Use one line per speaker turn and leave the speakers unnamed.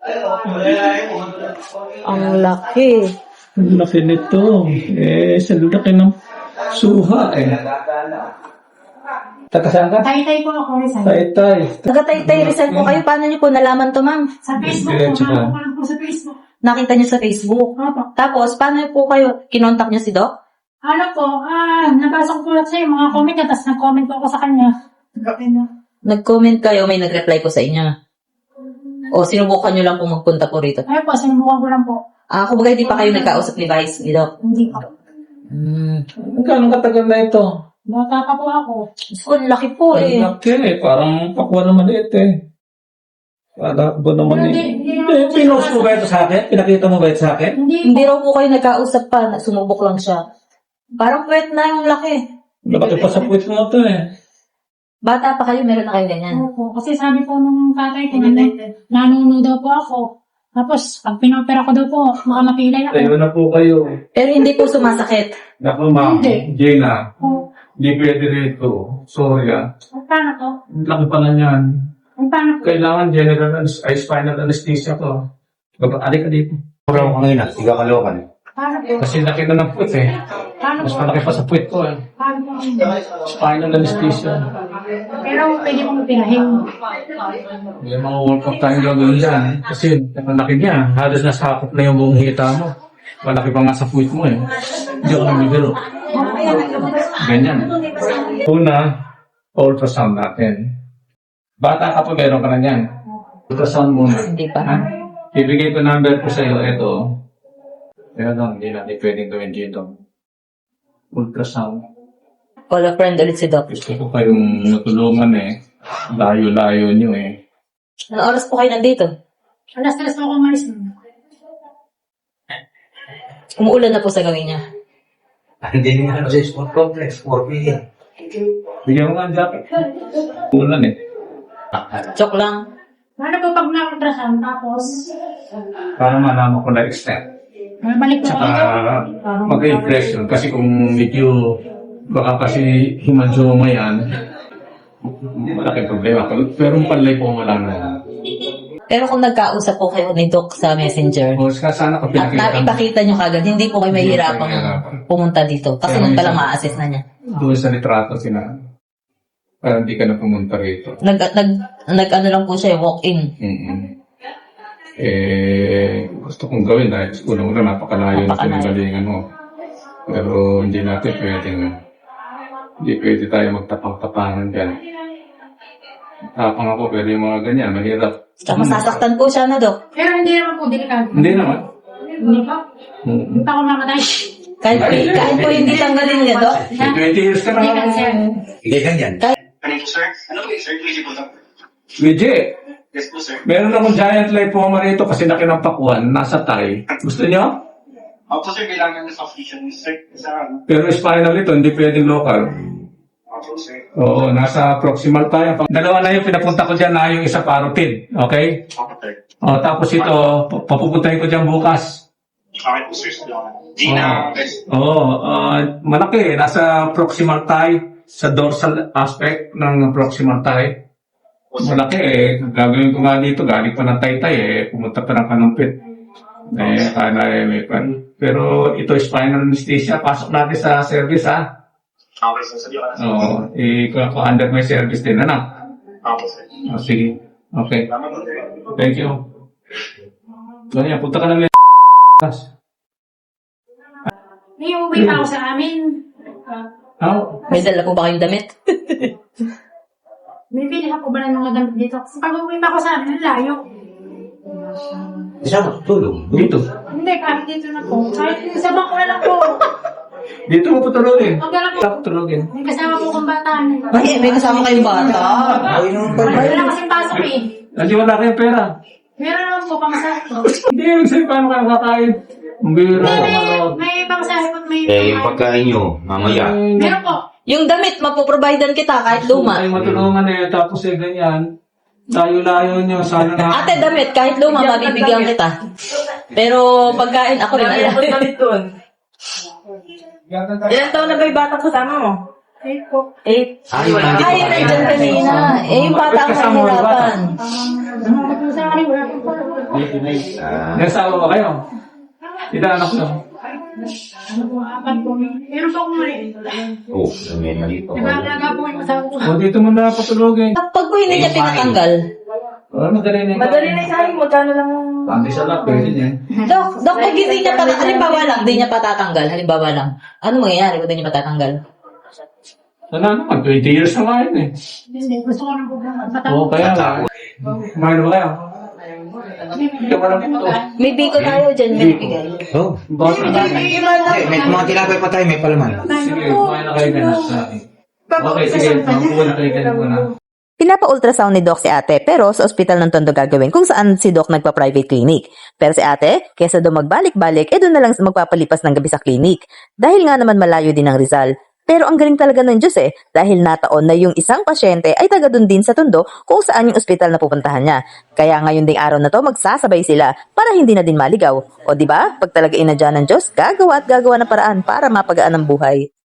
Ang laki.
Ang laki nito. Sa laki ng suha Taga saan ka?
Tay-tay po ako, Rizal.
Tay-tay.
Taga-Taytay Rizal po kayo. Paano niyo po nalaman to, ma'am?
Sa Facebook po, ma'am. Ako lang po sa Facebook.
Nakita niyo sa Facebook.
Opo.
Tapos, paano po kayo? Kinontak niyo si Doc?
Ano po, nabasa ko po lang sa'yo mga comment niya, tapos nag-comment po ako sa kanya.
Nag-comment kayo, may nag-reply po sa inyo. O sinubukan niyo lang po magpunta po rito?
Ayun po, sinubukan ko lang po.
Kumbaga hindi pa kayo nagkausap ni Vice, ni Doc?
Hindi po.
Gano'ng katagal na ito?
Bata pa po ako.
Ang laki po
Ang laki Parang pakwa naman Para ba naman Pinost mo ba ito sa akin? Pinakita mo ba ito sa akin?
Hindi raw po kayo nagkausap pa, sumubok lang siya. Parang puwet na yung laki.
Laki pa sa puwit mo ito
Bata pa kayo, meron na kayo ganyan.
Opo, kasi sabi po nung tatay ko, nanuno daw po ako. Tapos, pag pinopera ko daw po, makamapilay ako.
Tayo na po kayo.
Pero hindi po sumasakit.
Naku ma'am,
Hindi.
Gina,
Oh,
hindi pwede rito. Sorry
paano to?
Laki pala niyan.
Paano to?
Kailangan spinal anesthesia ko. Alik ka dito.
Mura mo kanina, tiga Caloocan.
Paano to?
Kasi laki na ng puwit
Paano
Mas
to?
malaki pa sa puwit ko
Paano to?
Spinal anesthesia.
Pero pwede mong pinahin.
May mga workout tayong gagawin dyan. Kasi ang laki niya. Halos nasakop na yung buong hita mo. Malaki pa nga sa puwit mo Hindi ako namibiro. Ganyan. Una, ultrasound natin. Bata ka pa, meron ka na yan. Ultrasound muna.
Hindi pa.
Ha? Ibigay ko number ko sa iyo. Ito. Pero hindi natin pwedeng gawin dito. Ultrasound.
Call a friend ulit si Doc.
Gusto ko kayong natulungan Layo-layo nyo
Anong oras po kayo nandito?
Alas 3 po ako umalis.
Umuulan na po sa gawin niya.
Hindi nga sa sport complex, 4 million.
Bigyan mo nga ang jacket. Ulan
Joke lang.
Paano po pag na-ultrasound, tapos,
Para malaman ko na extent.
balik po
Tsaka
ako.
mag-impression. Kasi kung medyo baka kasi hemangioma yan, malaking problema. Pero yung panlay po wala na.
Pero kung nagkausap po kayo ni Doc sa Messenger,
O sana ko
at
pinakita.
naipakita nyo kagad, hindi po kayo mahihirapang pumunta dito. Kasi
Kaya
nun palang
minsan-
ma-assess na niya.
Doon sa litrato para hindi ka na pumunta rito.
Nag-ano lang po siya, walk-in.
Gusto kong gawin dahil unang-una napakalayo na pinagalingan mo. Pero hindi natin hindi pwede tayo magtapang-tapangan dyan. Tapang ako, pero yung mga ganyan, mahirap.
Tsaka masasaktan po siya na, Doc.
Pero hindi naman po, delikado.
Hindi naman.
Hindi pa. Hindi pa ako mamatay.
Kahit po hindi tanggalin niya, Doc.
20 years ka
Hindi
na.
cancer.
Hindi ganyan.
Ano po, sir? Ano po, sir? Pwede po lang.
Luigi,
Yes po, sir.
meron akong giant lipoma rito kasi laki ng pakuan, nasa thigh. Gusto niyo?
Opo, sir. Kailangan ng soft tissue, sir. Sa ano?
Pero spinal ito, hindi pwedeng local.
Opo, sir.
Oo, nasa proximal tayo. Dalawa na yung pinapunta ko dyan na yung isa parotid. Okay?
Opo, sir.
Tapos ito, papupuntahin ko dyan bukas.
Okay po, sir. Salamat. Gina, guys.
Malaki. Nasa proximal thigh, sa dorsal aspect ng proximal thigh. Malaki Gagawin ko nga dito, galing pa ng taytay pumunta pa ng kanumpit. May pan. Pero ito spinal anesthesia, pasok natin sa service
Okay, sir. Sabi ko na, sir.
Oo, under my service din,
Opo, sir.
Sige. Okay.
Salamat po, sir.
Thank you. Ganyan, punta ka ng
May uwi pa ako sa amin.
May dala po ba kayong damit?
Bibili ako ba ng mga damit dito? Kasi pag uwi pa ako sa amin, layo.
Isa mo, tulong.
Dito.
Hindi, kahit dito na po. Kahit sa bangko na lang po.
Dito mo putulogin.
Huwag na lang po.
Putulogin.
May kasama po kong bata.
May kasama kayong bata.
Ay, naman pala.
Wala kasing pasok eh.
Hindi wala kayong pera.
Meron naman po pamasahe po.
Hindi, sa'yo paano ka nakakain? Ang biro.
May pamasahe po. May
Yung pagkain nyo, mamaya.
Meron po.
Yung damit, mapoprovidean kita kahit luma.
Ay, matulungan tapos ganyan. Layo-layo nyo, sana na.
Ate, damit, kahit luma, mabibigyan kita. Pero pagkain, ako rin alam.
Ilan taon na ba yung batang kasama mo?
8 po.
8.
Ay, wala.
Ay, nandiyan kanina. Yung bata ang mahirapan.
Sa akin, wala po.
May asawa ba kayo? Ilan anak nyo?
Apat po. Meron pa akong mali.
Oo, may mali pa.
Diba, alaga po yung asawa ko.
O, dito mo na patulogin.
Pag po hindi niya pinatanggal,
Madali na yung
Madali na sa akin, magkano lang.
Pati sa lap, pwede niya.
Dok, pag hindi niya halimbawa lang, hindi niya patatanggal, halimbawa lang, ano mangyayari kung hindi niya patatanggal?
Sana naman, 20 years na nga yun eh.
Hindi, gusto ko ng problema.
Oo, kaya nga. Kumain ba kayo? Hindi mo lang ito.
May biko tayo dyan, may bigay.
Oo.
Bakit na natin?
May mga tinapay pa tayo, may palaman.
Sige, kumain na kayo ganun sa akin. Okay, sige, makuha na kayo ganun muna.
Pinapa-ultrasound ni Doc si ate pero sa ospital ng Tondo gagawin kung saan si Doc nagpa-private clinic. Pero si ate, kesa doon magbalik-balik, doon na lang magpapalipas ng gabi sa clinic. Dahil nga naman malayo din ang Rizal. Pero ang galing talaga ng Diyos dahil nataon na yung isang pasyente ay taga doon din sa Tondo kung saan yung ospital na pupuntahan niya. Kaya ngayon ding araw na to magsasabay sila para hindi na din maligaw. O di ba? Pag talaga inadya ng Diyos, gagawa at gagawa ng paraan para mapagaan ang buhay.